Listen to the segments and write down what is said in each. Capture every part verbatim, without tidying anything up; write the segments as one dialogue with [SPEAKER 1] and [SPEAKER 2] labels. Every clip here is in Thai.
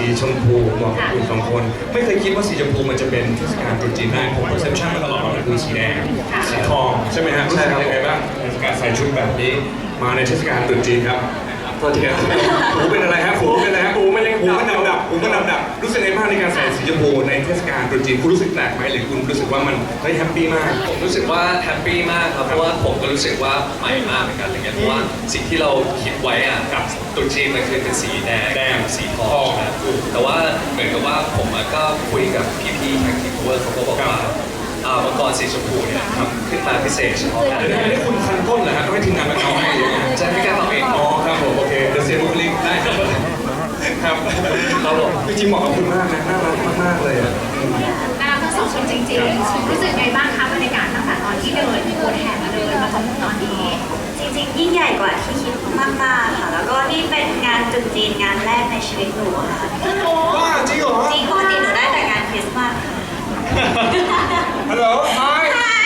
[SPEAKER 1] ชมพูเหมาะกับคุณสองคนไม่เคยคิดว่าสีชมพูมันจะเป็นเทศกาลตรุษจีนได้ผมเพอร์เซพชันมาตลอดว่ามันคือสีแดงสีทองใช่ไหมฮะรู้สึกยังไงบ้างในการใส่ชุดแบบนี้มาในเทศกาลตรุษจีนครับตัวเทียนหูเป็นอะไรฮะหูเป็นอะไรฮะหูมันยังหูมันดำดับหูมันดำดับรู้สึกไงบ้างในการใส่สีชมพูในเทศกาลตรุษจีนคุณรู้สึกแปลกไหมหรือคุณรู้สึกว่ามันเฮ้ยแฮปปี้มาก
[SPEAKER 2] รู้สึกว่าแฮปปี้มากครับเพราะว่าผมก็รู้สึกว่าใหม่มากเหมือนกันอะไรเงี้ยเพราะว่าสิ่งที่เราคิดไว้อะกับตรุษจีนมันคือเป็นสีแดงแดงสีทองนะแต่ว่าเหมือนกับว่าผมก็คุยกับพี่ๆทางทีมเวิร์กเขาก็บอกว่าอ่ามังกรสีชมพูเนี่ยทำขึ้นมาพิเศษเฉพาะงาน
[SPEAKER 1] อันนี้คุณคันต้นเหรอฮะต้องให้ทีมงานมาเอาให้
[SPEAKER 2] ใช่ไม่กล้าเอาเอง
[SPEAKER 1] อ๋อครับผมโอเคเดี๋ยวเสียบุคลิกได้ครับครับ
[SPEAKER 2] ครับผม
[SPEAKER 1] จริงๆเหมาะกับคุณมากนะน่ารักมากๆเลยอ่ะ
[SPEAKER 3] น่ารักทั้งสองคนจริงๆรู้สึกไงบ้างคะบรรยากาศตั้งแต่ตอนที่เดินโบนแห่มาเดินมาจนถึงตอนนี้
[SPEAKER 4] จริงๆยิ่งใหญ่กว่าที่คิดมากๆค่ะแล้วก็นี่เป็นงานตรุษจีนงานแรกในชีวิตหนูค่ะ
[SPEAKER 1] ว้าจริงเหรอ
[SPEAKER 4] จริงปกติหนูได้แต่งานคริสต์มาสค่ะ
[SPEAKER 1] ฮัลโหล Hi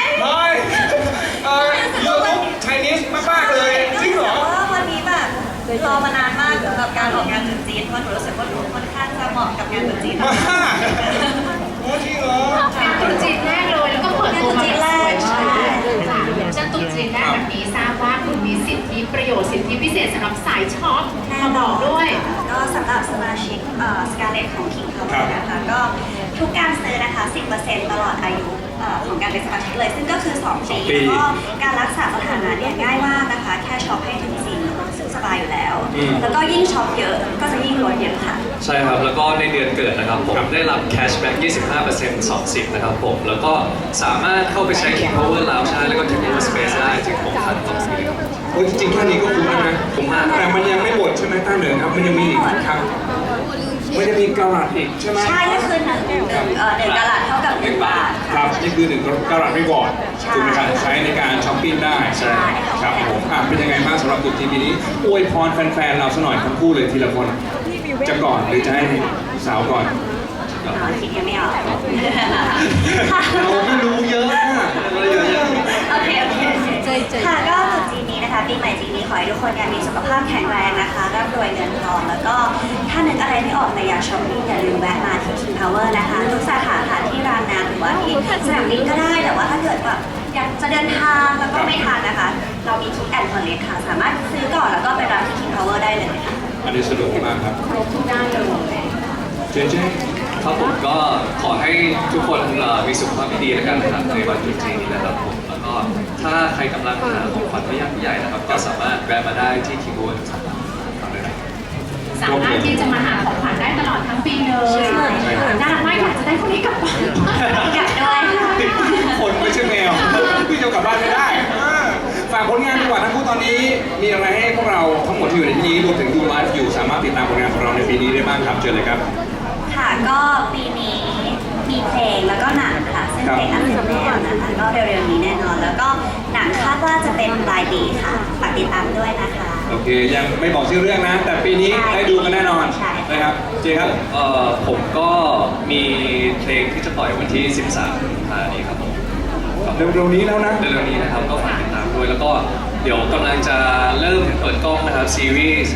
[SPEAKER 1] Hi เอ่อ YouTube Chinese มากๆเลยจริงเหรอ
[SPEAKER 4] ว่าวันนี้แบบรอมานานมากสำหรับการออกงานตรุษจีนเพราะหนูรู้สึกว่าหนูค่อนข้างจะเหมาะกับงานตรุษจีนมาก
[SPEAKER 1] โอ้จริงเหรองาน
[SPEAKER 3] ตรุษจีนแรกเลยแล้วก็เปิดตัวมาเป็นสวยมากจะตรุษจีนแรกแบบนี้ทราบว่าคุณมีสิทธิประโยชน์สิทธิพิเศษสำหรับสายช็อปมาบอกด้วย
[SPEAKER 4] ก็สำหรับสมาชิกสกาเลตของ King Power นะคะก็ทุกการซื้อนะคะ สิบเปอร์เซ็นต์ ตลอดอายุของการเป็นสมาชิกเลยซึ่งก็คือสองปีแล้วก็การรักษาสถานะเนี่ยง่ายมากนะคะแค่ช็อปให้ถึงสิบซึ่งสบายอยู่แล้วแล้วก็ยิ่งช็อปเยอะก็จะยิ่งลดเยอะค่ะ
[SPEAKER 2] ใช่ครับแล้วก็ในเดือนเกิดนะครับผมได้รับแคชแบ็ก ยี่สิบห้าเปอร์เซ็นต์ สองสิบนะครับผมแล้วก็สามารถเข้าไปใช้ King Power Lounge ใช้แล้วก็ King Power Space ได้ถึงหกพันต่อปี
[SPEAKER 1] โอ้จริงๆแค่นี้ก็คุ้มแล้วนะ
[SPEAKER 2] คุ้มมาก
[SPEAKER 1] แต่มันยังไม่หมดใช่ไหมต้าเหนือครับมันยังมีอีกครับมันจะมีกะรัตอีกใช่ไหม
[SPEAKER 4] ใช่ก็คือหนึ่งหนึ่งหนึ่งกะรัตเท่ากับหนึ่งบาท
[SPEAKER 1] ครับนี่คือหนึ่งกะรัตไม่ก่อนถูกไหมครับใช้ในการช้อปปิ้งได้
[SPEAKER 4] ใช่
[SPEAKER 1] ครับผมอ่ะเป็นยังไงบ้างสำหรับตุ๊จีปีนี้อวยพรแฟนๆเราสักหน่อยทั้งคู่เลยทีละคนจะก่อนหรือจะให้สาวก่อน
[SPEAKER 4] คิดยังไม่ออก
[SPEAKER 1] เราไม่รู้เยอะ
[SPEAKER 4] เราเยอะโอเคโอเคค่ะก็ตรุษจีนนี้นะคะปีใหม่จีนนี้ขอให้ทุกคนมีสุขภาพแข็งแรงนะคะร่ำรวยเงินทองแล้วก็ถ้านึกอะไรไม่ออกแต่อยากช้อปปิ้งอย่าลืมแวะมาที่ King Power นะคะทุกสาขาค่ะที่รามน้ำหรือว่าที่สนามบินก็ได้แต่ว่าถ้าเกิดแบบอยากจะเดินทางแล้วก็ไม่ทันนะคะเรามีคิกแอนด์คอลเลกค่ะสามารถซื้อก่อนแล้วก็ไปรับที่ King Power ได้เลยค่ะ
[SPEAKER 1] อันนี้สะดวกมากครับ
[SPEAKER 3] ครบทุกด้านเลย
[SPEAKER 1] เจเจ
[SPEAKER 2] ครับผมก็ขอให้ทุกคนมีสุขภาพที่ดีแล้วกันนะครับในวันตรุษจีนนี้นะครับผมแล้วก็ถ้าใครกำลังหาของขวัญไม่ยากไม่ใหญ่นะครับก็สามารถแวะมาได้ที่คิวบูนสาม
[SPEAKER 3] ารถที่จะมาหาของขวัญได้ตลอดทั้งปีเลยน่ารักมากอยากจะได้คนนี้กลับบ้าน
[SPEAKER 4] อยากด้วย
[SPEAKER 1] คนไม่ใช่แมวพี่จะกลับบ้านไม่ได้ฝากผลงานดีกว่าทั้งคู่ตอนนี้มีอะไรให้พวกเราทั้งหมดที่อยู่ในที่นี้รวมถึงดูไลฟ์อยู่สามารถติดตามผลงานของเราในปีนี้ได้บ้างครับเชิญเลยครับ
[SPEAKER 4] ค่ะก็ปีนี้มีเพลงแล้วก็หนังค่ะซึ่งเพลงอันสุดแน่นะคะก็เร็วๆนี้แน่นอนแล้วก็หนังคาดว่าจะเป็นปลายปีค่ะฝากติดตามด้วยนะคะ
[SPEAKER 1] โอเคยังไม่บอกชื่อเรื่องนะแต่ปีนี้ได้ดูกันแน่นอนนะครับเจครับ
[SPEAKER 2] เอ่อผมก็มีเพลงที่จะปล่อยวันที่สิบสามกุมภาพันธ์นี้ครับผม
[SPEAKER 1] เร็วๆนี้แล้วนะ
[SPEAKER 2] เร็วๆนี้นะครับก็ฝากติดตามด้วยแล้วก็เดี๋ยวกำลังจะเริ่มเปิดกล้องนะครับซีรีส์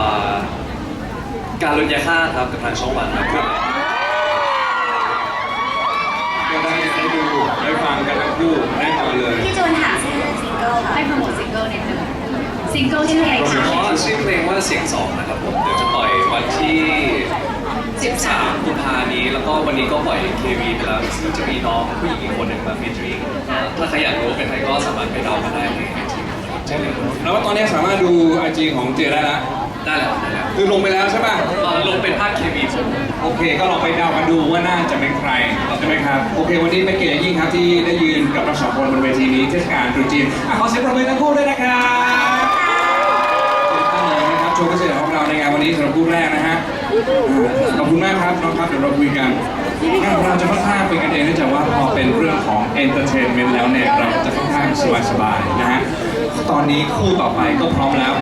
[SPEAKER 2] การลุนยาฆ่าครับกับทางช่องวันครับ
[SPEAKER 1] ก็ได้ได้ดูได้ฟังกันทั้งคู่ได้ต่อเลย
[SPEAKER 4] พี่จูนหาซิงเกิลค่ะ
[SPEAKER 3] ให้โปรโมทซิงเกิลนิดนึงซิงเกิลชื่อเพลง
[SPEAKER 2] อ๋อชื่อเพลงว่าเสียงสองนะครับผมเดี๋ยวจะปล่อยวันที่สิบสามกุมภาพันธ์นี้แล้วก็วันนี้ก็ปล่อย เค วี ไปแล้วซึ่งจะมีน้องผู้หญิงอีกคนหนึ่งมาฟีเจอริ่งถ้าใครอยากรู้เป็นใครก็สามารถไปดาวน์มาได้ในไอจี
[SPEAKER 1] ใช่เลยแล้วว่าตอนนี้สามารถดูไอจีของเจได้แล้ว
[SPEAKER 2] ได้แล้วได้แล้ว
[SPEAKER 1] คือลงไปแล้วใช่ป่ะ
[SPEAKER 2] ลงเป็นภาค เค วี ผม
[SPEAKER 1] โอเคก็ลองไปเดากันดูว่าน่าจะเป็นใครใช่ไหมครับโอเควันนี้เป็นเกียรติยิ่งครับที่ได้ยืนกับเราสองคนบนเวทีนี้เทศกาลตรุษจีนขอเสียงปรบมือทั้งคู่ด้วยนะครับโชว์พิเศษของเราในงานวันนี้สำหรับคู่แรกนะฮะขอบคุณมากครับน้องครับเดี๋ยวเราคุยกันงานของเราจะค่อนข้างเป็นกันเองเนื่องจากว่าพอเป็นเรื่องของเอนเตอร์เทนเมนต์แล้วเนี่ยเราจะค่อนข้างสบายๆนะฮะตอนนี้คู่ต่อไปก็พร้อมแล้ว